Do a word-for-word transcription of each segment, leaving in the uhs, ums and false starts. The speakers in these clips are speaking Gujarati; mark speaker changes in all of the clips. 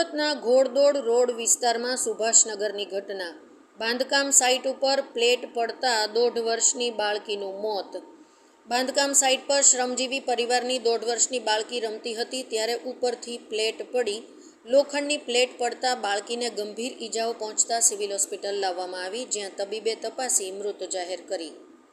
Speaker 1: સુરतना घोड़दौड़ रोड विस्तार में सुभाषनगर की घटना। बांधकाम साइट पर प्लेट पड़ता दौड़ वर्षनी बाळकीनुं मौत। बांधकाम साइट पर श्रमजीवी परिवारनी दौड़ वर्षनी बाळकी रमती हती त्यारे उपरथी प्लेट पड़ी लोखंडनी प्लेट पड़ता बाळकीने गंभीर ईजाओ पहोंचता सिविल होस्पिटल लाववामां आवी, ज्यां तबीबे तपासी मृत जाहेर करी।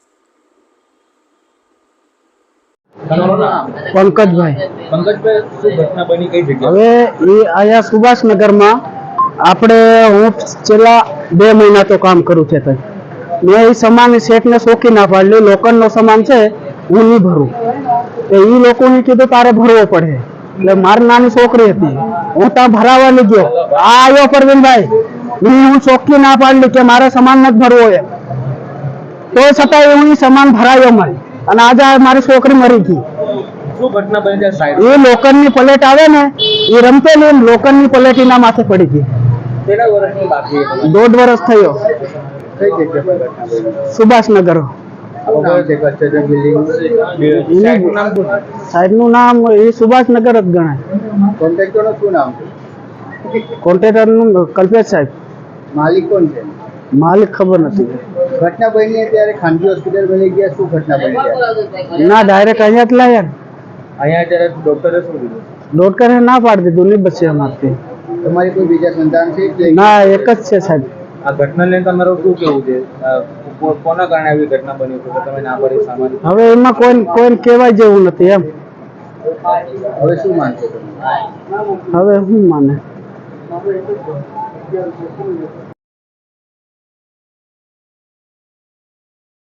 Speaker 2: पंकजभाई
Speaker 3: पंकजभाई શું ઘટના બની કઈ જગ્યાએ?
Speaker 2: હવે એ આયા સુભાષનગરમાં આપણે હું છેલ્લા બે મહિના તો કામ કરું છે તઈ મેં એ સામાન શેઠને સોકી ના પાડલી લોકોનો સામાન છે હું નહીં ભરું તો એ લોકોને કીધું તારે ભરવો પડે એટલે મારી નાની છોકરી હતી હું ત્યાં ભરાવા લઈ ગયો આ આવ્યો પરવીનભાઈ મેં હું ચોખ્ખી ના પાડલી કે મારે સામાન નથી ભરવો એ તો છતાં હું એ સામાન ભરાયો મારી અને આજે મારી છોકરી મરી ગઈ।
Speaker 3: શું ઘટના બની છે સાહેબ?
Speaker 2: એ લોખંડની પ્લેટ આવે ને એ રમતેલી લોખંડની પ્લેટ એના માથે પડી ગઈ।
Speaker 3: કેટલા વર્ષની બાકી?
Speaker 2: દોઢ વર્ષ થયો।
Speaker 3: કઈ જગ્યાએ ઘટના બની?
Speaker 2: સુભાષનગર। સાહેબનું નામ એ સુભાષનગર જ ગણાય।
Speaker 3: કોન્ટ્રાક્ટરનું શું નામ છે?
Speaker 2: કોન્ટ્રાક્ટરનું કલ્પેશ સાહેબ।
Speaker 3: માલિક કોણ છે?
Speaker 2: માલિક ખબર નથી।
Speaker 3: ઘટના બની ત્યારે ખાનગી હોસ્પિટલ બની ગયા, શું ઘટના બની?
Speaker 2: ના ડાયરેક્ટ અહીંયા જ લાયા।
Speaker 3: અહીંયા ત્યારે ડોક્ટરે શું કીધું?
Speaker 2: ડોક્ટરે ના પાડી દીધું નહીં બચે અમારથી।
Speaker 3: તમારી કોઈ બીજા સંતાન છે?
Speaker 2: ના એક જ છે સાહેબ।
Speaker 3: આ ઘટના લઈને તમારું શું કેવું છે? કોના કારણે આવી ઘટના બની છે તમે ના પડી સામાન?
Speaker 2: હવે એમાં કોઈ કોઈ કહેવાય જેવું નથી એમ।
Speaker 3: હવે શું માનશો તમે?
Speaker 2: હવે શું માને?